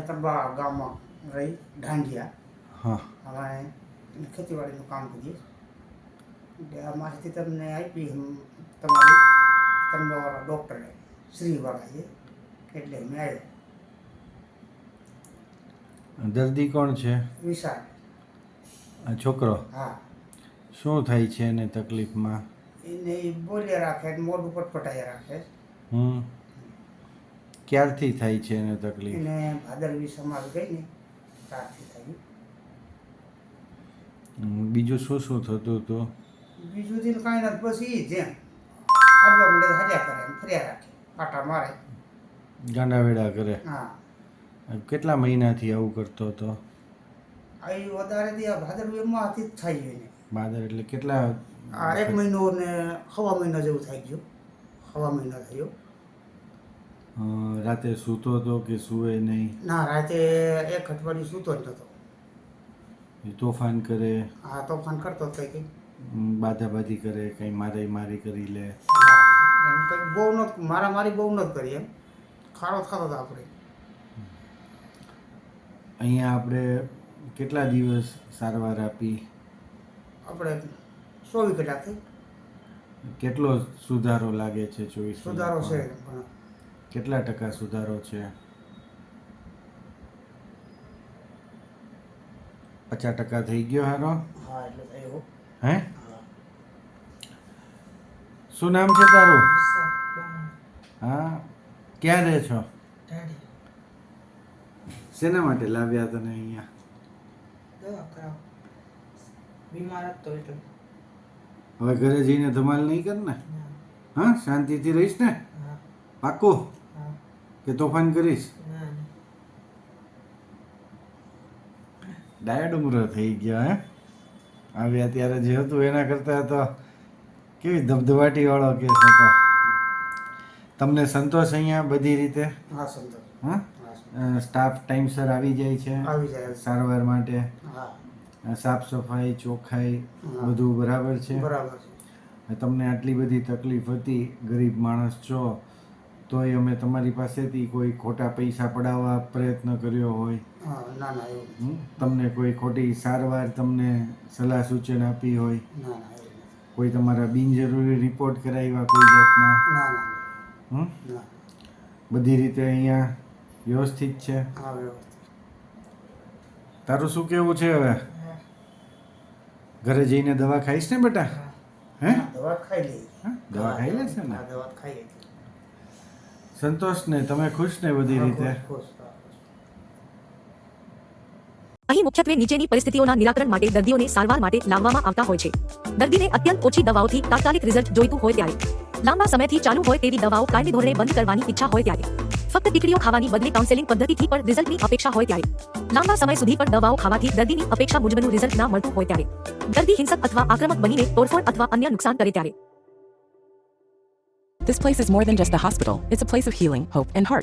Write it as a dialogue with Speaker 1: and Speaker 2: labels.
Speaker 1: તરબા ગામમાં રહી ઢાંઢિયા.
Speaker 2: હા.
Speaker 1: અમારે ખેતીવાડીનું કામ કરીએ. એટલે આ માહિતી તમને આપી તમારી તરબાવાળા ડૉક્ટરે શ્રીવાળા છે એટલે મેં આવ્યો.
Speaker 2: દર્દી કોણ છે?
Speaker 1: વિશાળ.
Speaker 2: આ છોકરો.
Speaker 1: હા.
Speaker 2: શું થાય છે એને તકલીફમાં?
Speaker 1: એને બોલ્યા રાખે મોઢું પટપટાયા રાખે.
Speaker 2: ક્યારથી થાય છે એને તકલીફ?
Speaker 1: એને ભાદરવી સમાજ ગઈ ને ત્યારથી થયું.
Speaker 2: બીજું શું શું થતું હતું?
Speaker 1: બીજું દિન કાંઈ નથી, બસ એ જેમ હાડવા મંડે હજા કરે એમ ફર્યા રાખે, પાટા મારે.
Speaker 2: ગાંડાવેડા કરે?
Speaker 1: હા.
Speaker 2: કેટલા મહિનાથી આવું કરતો હતો?
Speaker 1: આવી વધારે દી આ ભાદરવી એમાંથી જ થાય એને.
Speaker 2: ભાદર એટલે કેટલા?
Speaker 1: આ 1 મહિનો ને સવા મહિના જેવું થઈ ગયું. સવા મહિના થયો.
Speaker 2: રાતે સૂતો હતો કે સૂવે નહીં?
Speaker 1: ના, રાતે 1 અઠવાડિયું સૂતો જ નહોતો.
Speaker 2: તોફાન કરે?
Speaker 1: હા, તોફાન કરતો હતો કંઈ.
Speaker 2: બાધાબાધી કરે, કંઈ મારી કરી લે?
Speaker 1: હા, એમ કંઈ બહુ નથી, મારી બહુ નથી કરી એમ. ખાડો થતો હતો આપણે.
Speaker 2: અહીંયા આપણે કેટલા દિવસ સારવાર આપી?
Speaker 1: આપણે 24 કલાકથી.
Speaker 2: કેટલો સુધારો લાગે છે? 24
Speaker 1: સુધારો છે
Speaker 2: કલાકમાં?
Speaker 1: પણ
Speaker 2: કેટલા ટકા સુધારો છે? 50% થઈ ગયો હારો?
Speaker 1: હા, એટલે થયો.
Speaker 2: હે?
Speaker 1: હા.
Speaker 2: શું નામ છે તારું? હા. ક્યાં રહે છો? શેના માટે લાવ્યા તને અહીંયા?
Speaker 3: દવા કરાવ. બીમાર હતો એટલે.
Speaker 2: હવે ઘરે જઈને ધમાલ નહીં કર ને? હા, શાંતિથી રહીશ ને?
Speaker 3: હા.
Speaker 2: પાક્કું
Speaker 3: હા.
Speaker 2: કે તોફાન કરીશ?
Speaker 3: ના.
Speaker 2: ડાયા ડુંગરો થઈ ગયા હે? આવ્યા ત્યારે જે હતું એના કરતાં તો કેવી ધબધબાટી વાળો કેસ હતો. તમને સંતોષ અહીંયા બધી રીતે?
Speaker 1: હા, સંતોષ.
Speaker 2: હા?
Speaker 1: હા,
Speaker 2: સ્ટાફ ટાઈમસર આવી જાય છે
Speaker 1: આવી જાય.
Speaker 2: સારવાર માટે?
Speaker 1: હા,
Speaker 2: સાફ સફાઈ ચોખ્ખાઈ
Speaker 1: હા.
Speaker 2: બધું બરાબર છે?
Speaker 1: બરાબર છે.
Speaker 2: તમને આટલી બધી તકલીફ હતી, ગરીબ માણસ છો, તોય અમે તમારી પાસેથી કોઈ ખોટા પૈસા પડાવવા પ્રયત્ન કર્યો હોય?
Speaker 1: હા, ના ના એવું.
Speaker 2: તમને કોઈ ખોટી સારવાર, તમને સલાહ સૂચન આપી હોય?
Speaker 1: ના ના એવું નથી.
Speaker 2: કોઈ તમારા બિનજરૂરી રિપોર્ટ કરાવ્યા કોઈ જાતના?
Speaker 1: ના ના
Speaker 2: હમ?
Speaker 1: ના.
Speaker 2: બધી રીતે અહીંયા વ્યવસ્થિત છે?
Speaker 1: હા, વ્યવસ્થિત.
Speaker 2: તારું શું કેવું છે હવે? ઘરે જઈને દવા ખાઈશ ને બેટા? હે?
Speaker 1: હા, દવા ખાઈ લઈ.
Speaker 2: હા? દવા ખાઈ લે છે ને?
Speaker 1: હા, દવા ખાઈ લઈ.
Speaker 2: સંતોષ ને? તમે ખુશ ને બધી રીતે?
Speaker 1: ખુશ, ખુશ.
Speaker 4: અહીં મુખ્યત્વે નીચેની પરિસ્થિતિઓના નિરાકરણ માટે દર્દીઓને સારવાર માટે લાવવામાં આવતા હોય છે. દર્દીને અત્યંત ઓછી દવાઓથી તાત્કાલિક રિઝલ્ટ જોઈતું હોય ત્યારે, લાંબા સમયથી ચાલુ હોય તેવી દવાઓ કાયમી ધોરણે બંધ કરવાની ઈચ્છા હોય ત્યારે, ફક્ત ટીકડીઓ ખાવાની બદલે કાઉન્સેલિંગ પદ્ધતિથી પણ રિઝલ્ટની અપેક્ષા હોય ત્યારે, લાંબા સમય સુધી પણ દવાઓ ખાવાથી દર્દીની અપેક્ષા મુજબનું રિઝલ્ટ ના મળતું હોય ત્યારે, દર્દી હિંસક અથવા આક્રમક બનીને તોડફોડ અથવા અન્ય નુકસાન કરે ત્યારે.
Speaker 5: This place is more than just a hospital. It's a place of healing, hope, and heart.